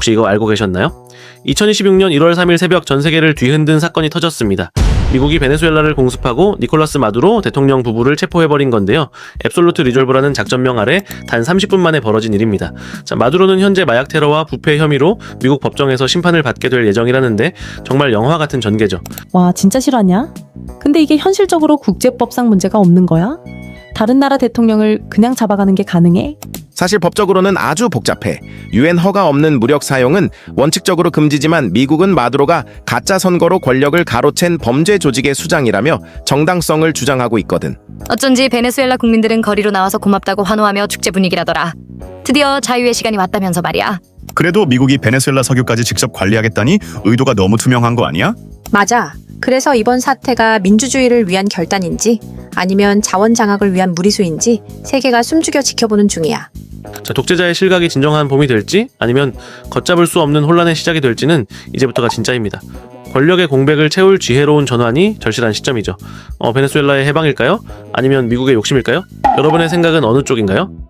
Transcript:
혹시 이거 알고 계셨나요? 2026년 1월 3일 새벽 전 세계를 뒤흔든 사건이 터졌습니다. 미국이 베네수엘라를 공습하고 니콜라스 마두로 대통령 부부를 체포해버린 건데요. 앱솔루트 리졸브라는 작전명 아래 단 30분 만에 벌어진 일입니다. 자, 마두로는 현재 마약 테러와 부패 혐의로 미국 법정에서 심판을 받게 될 예정이라는데 정말 영화 같은 전개죠. 와, 진짜 실화냐? 근데 이게 현실적으로 국제법상 문제가 없는 거야? 다른 나라 대통령을 그냥 잡아가는 게 가능해? 사실 법적으로는 아주 복잡해. 유엔 허가 없는 무력 사용은 원칙적으로 금지지만 미국은 마두로가 가짜 선거로 권력을 가로챈 범죄 조직의 수장이라며 정당성을 주장하고 있거든. 어쩐지 베네수엘라 국민들은 거리로 나와서 고맙다고 환호하며 축제 분위기라더라. 드디어 자유의 시간이 왔다면서 말이야. 그래도 미국이 베네수엘라 석유까지 직접 관리하겠다니 의도가 너무 투명한 거 아니야? 맞아. 그래서 이번 사태가 민주주의를 위한 결단인지 아니면 자원 장악을 위한 무리수인지 세계가 숨죽여 지켜보는 중이야. 자, 독재자의 실각이 진정한 봄이 될지 아니면 걷잡을 수 없는 혼란의 시작이 될지는 이제부터가 진짜입니다. 권력의 공백을 채울 지혜로운 전환이 절실한 시점이죠. 베네수엘라의 해방일까요? 아니면 미국의 욕심일까요? 여러분의 생각은 어느 쪽인가요?